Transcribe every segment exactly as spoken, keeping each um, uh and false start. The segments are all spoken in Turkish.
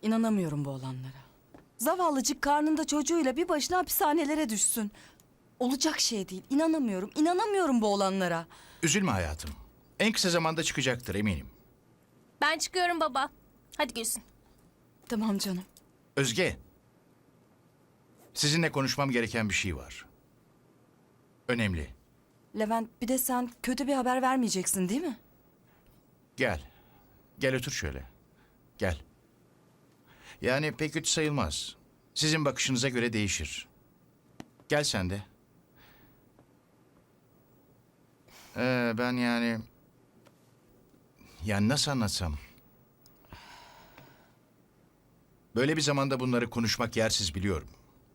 İnanamıyorum bu olanlara. Zavallıcık karnında çocuğuyla bir başına hapishanelere düşsün. Olacak şey değil. İnanamıyorum. İnanamıyorum bu olanlara. Üzülme hayatım. En kısa zamanda çıkacaktır eminim. Ben çıkıyorum baba. Hadi Gülsün. Tamam canım. Özge. Sizinle konuşmam gereken bir şey var. Önemli. Levent, bir de sen kötü bir haber vermeyeceksin değil mi? Gel. Gel otur şöyle. Gel. Yani pek kötü sayılmaz. Sizin bakışınıza göre değişir. Gel sen de. Ee, ben yani... Yani nasıl anlatsam? Böyle bir zamanda bunları konuşmak yersiz biliyorum.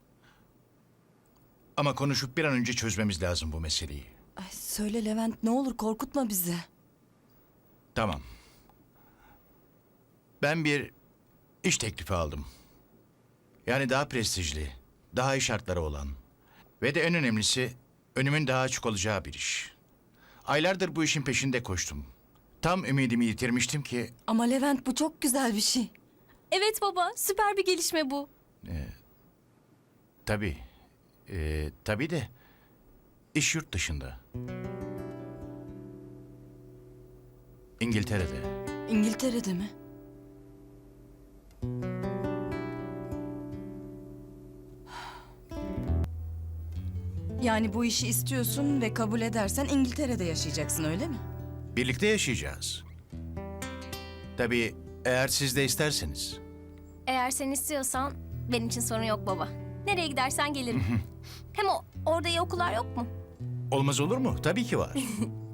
Ama konuşup bir an önce çözmemiz lazım bu meseleyi. Ay, söyle Levent, ne olur korkutma bizi. Tamam. Ben bir iş teklifi aldım. Yani daha prestijli, daha iyi şartları olan ve de en önemlisi önümün daha açık olacağı bir iş. Aylardır bu işin peşinde koştum. Tam ümidimi yitirmiştim ki Ama Levent, bu çok güzel bir şey. Evet baba, süper bir gelişme bu. tabii, e, tabii de iş yurt dışında. İngiltere'de. İngiltere'de mi? Yani bu işi istiyorsun ve kabul edersen İngiltere'de yaşayacaksın, öyle mi? Birlikte yaşayacağız. Tabii eğer siz de isterseniz. Eğer sen istiyorsan benim için sorun yok baba. Nereye gidersen gelirim. Hem o, orada iyi okullar yok mu? Olmaz olur mu? Tabii ki var.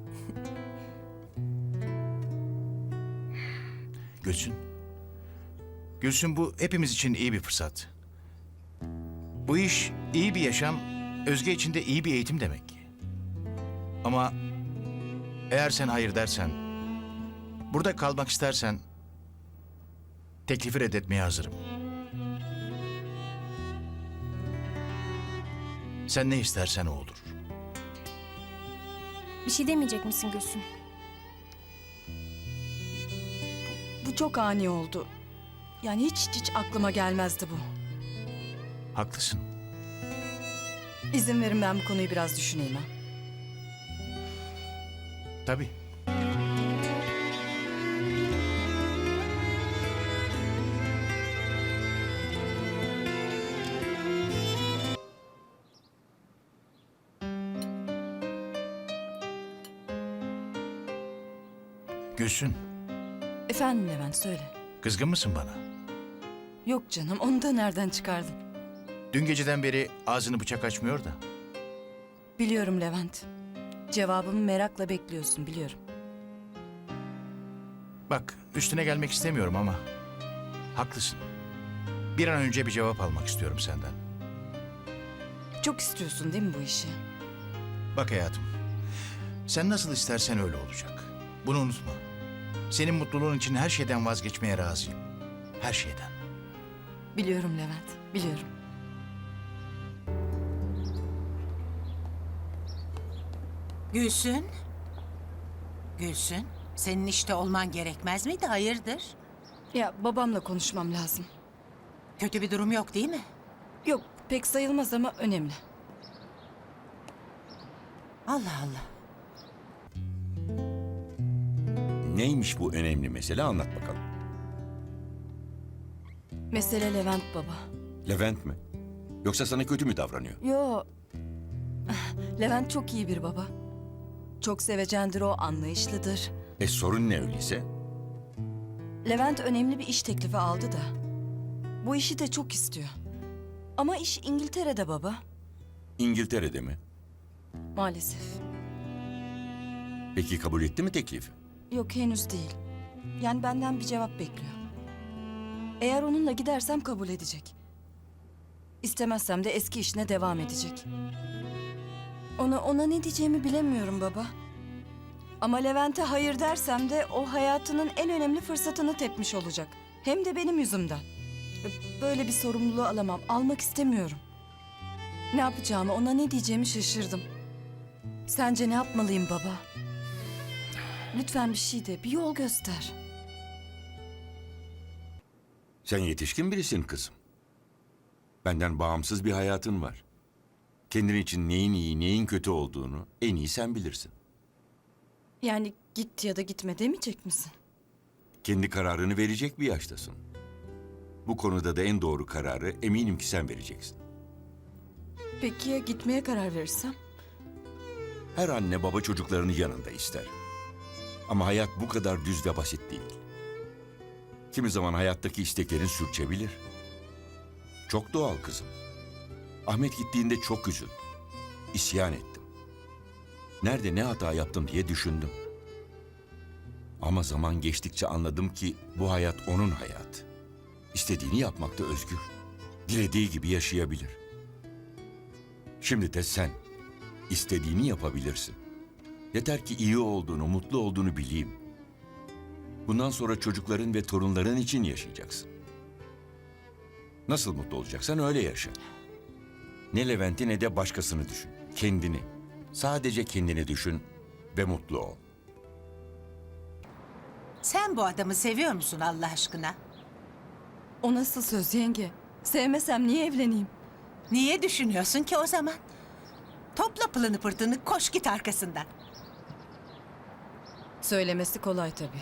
Gülsün. Gülsün, bu hepimiz için iyi bir fırsat. Bu iş iyi bir yaşam, Özge için de iyi bir eğitim demek. Ama eğer sen hayır dersen, burada kalmak istersen teklifi reddetmeye hazırım. Sen ne istersen o olur. Bir şey demeyecek misin Gülsün? Bu çok ani oldu. Yani hiç hiç, hiç aklıma gelmezdi bu. Haklısın. İzin verin, ben bu konuyu biraz düşüneyim ha. Tabii. Gülsün, Efendim Levent, söyle. kızgın mısın bana? Yok canım, onu da nereden çıkardın? Dün geceden beri ağzını bıçak açmıyor da. Biliyorum Levent. Cevabımı merakla bekliyorsun, biliyorum. Bak, üstüne gelmek istemiyorum ama haklısın. Bir an önce bir cevap almak istiyorum senden. Çok istiyorsun değil mi bu işi? Bak hayatım, sen nasıl istersen öyle olacak. Bunu unutma. Senin mutluluğun için her şeyden vazgeçmeye razıyım. Her şeyden. Biliyorum Levent, biliyorum. Gülsün. Gülsün, senin işte olman gerekmez miydi? Hayırdır? Ya babamla konuşmam lazım. Kötü bir durum yok değil mi? Yok, pek sayılmaz ama önemli. Allah Allah. Neymiş bu önemli mesele, anlat bakalım. Mesele Levent baba. Levent mi? Yoksa sana kötü mü davranıyor? Yo, Levent çok iyi bir baba. Çok sevecendir o, anlayışlıdır. E sorun ne öyleyse? Levent önemli bir iş teklifi aldı da. Bu işi de çok istiyor. Ama iş İngiltere'de baba. İngiltere'de mi? Maalesef. Peki kabul etti mi teklifi? Yok, henüz değil. Yani benden bir cevap bekliyor. Eğer onunla gidersem kabul edecek. İstemezsem de eski işine devam edecek. Ona ona ne diyeceğimi bilemiyorum baba. Ama Levent'e hayır dersem de o hayatının en önemli fırsatını tepmiş olacak. Hem de benim yüzümden. Böyle bir sorumluluğu alamam. Almak istemiyorum. Ne yapacağımı, ona ne diyeceğimi şaşırdım. Sence ne yapmalıyım baba? Lütfen bir şey de, bir yol göster. Sen yetişkin birisin kızım. Benden bağımsız bir hayatın var. Kendin için neyin iyi, neyin kötü olduğunu en iyi sen bilirsin. Yani git ya da gitme demeyecek misin? Kendi kararını verecek bir yaştasın. Bu konuda da en doğru kararı eminim ki sen vereceksin. Peki ya gitmeye karar verirsem? Her anne baba çocuklarını yanında ister. Ama hayat bu kadar düz ve basit değil. Kimi zaman hayattaki isteklerin sürçebilir. Çok doğal kızım. Ahmet gittiğinde çok üzüldüm. İsyan ettim. Nerede ne hata yaptım diye düşündüm. Ama zaman geçtikçe anladım ki bu hayat onun hayatı. İstediğini yapmakta özgür. Dilediği gibi yaşayabilir. Şimdi de sen istediğini yapabilirsin. Yeter ki iyi olduğunu, mutlu olduğunu bileyim. Bundan sonra çocukların ve torunların için yaşayacaksın. Nasıl mutlu olacaksan öyle yaşa. Ne Levent'i ne de başkasını düşün. Kendini, sadece kendini düşün ve mutlu ol. Sen bu adamı seviyor musun Allah aşkına? O nasıl söz yenge? Sevmesem niye evleneyim? Niye düşünüyorsun ki o zaman? Topla pılını pırtını, koş git arkasından. Söylemesi kolay tabii.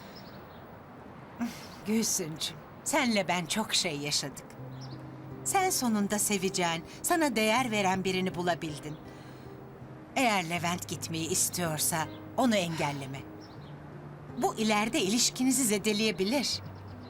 Gülsüncüm, senle ben çok şey yaşadık. Sen sonunda seveceğin, sana değer veren birini bulabildin. Eğer Levent gitmeyi istiyorsa onu engelleme. Bu ileride ilişkinizi zedeleyebilir.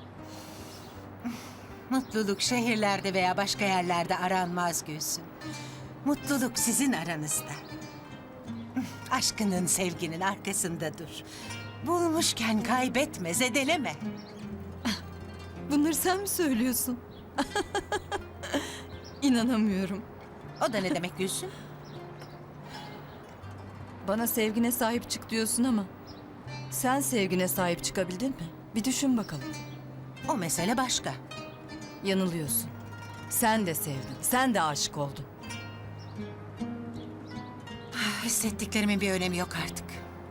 Mutluluk şehirlerde veya başka yerlerde aranmaz Gülsün. Mutluluk sizin aranızda. Aşkının, sevginin arkasında dur. Bulmuşken kaybetme, zedeleme. Bunları sen mi söylüyorsun? İnanamıyorum. O da ne demek Gülsün? Bana sevgine sahip çık diyorsun ama sen sevgine sahip çıkabildin mi? Bir düşün bakalım. O mesele başka. Yanılıyorsun. Sen de sevdin. Sen de aşık oldun. Hissettiklerimin bir önemi yok artık.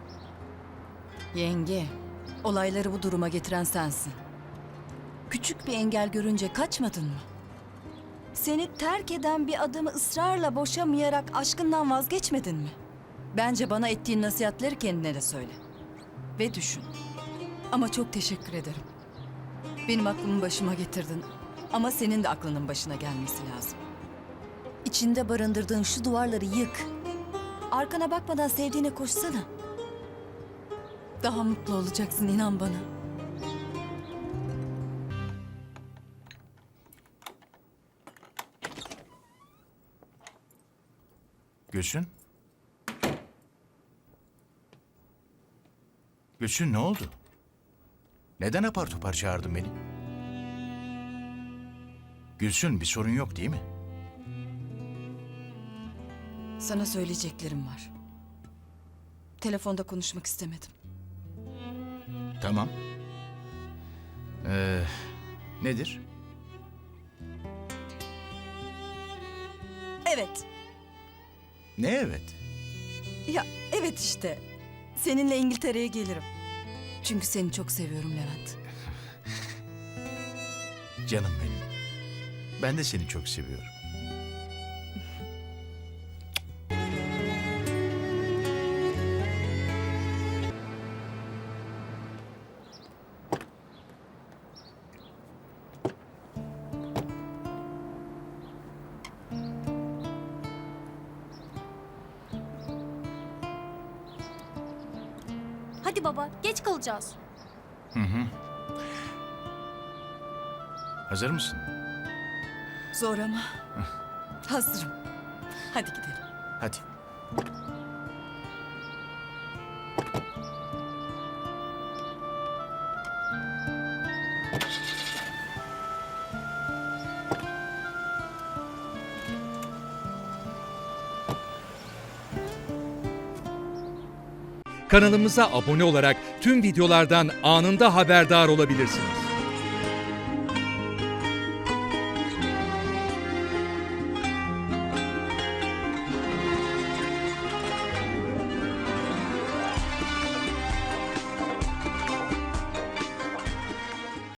Yenge, olayları bu duruma getiren sensin. Küçük bir engel görünce kaçmadın mı? Seni terk eden bir adamı ısrarla boşamayarak aşkından vazgeçmedin mi? Bence bana ettiğin nasihatleri kendine de söyle. Ve düşün. Ama çok teşekkür ederim. Benim aklımı başıma getirdin. Ama senin de aklının başına gelmesi lazım. İçinde barındırdığın şu duvarları yık. Arkana bakmadan sevdiğine koşsana. Daha mutlu olacaksın, inan bana. Gülsün? Gülsün ne oldu? Neden apar topar çağırdın beni? Gülsün bir sorun yok değil mi? Sana söyleyeceklerim var. Telefonda konuşmak istemedim. Tamam. Ee, nedir? Evet. Ne evet? Ya evet işte. Seninle İngiltere'ye gelirim. Çünkü seni çok seviyorum Levent. Canım benim. Ben de seni çok seviyorum. Hadi baba, geç kalacağız. Hazır mısın? Zor ama hazırım. Hadi gidelim. Hadi. Kanalımıza abone olarak tüm videolardan anında haberdar olabilirsiniz.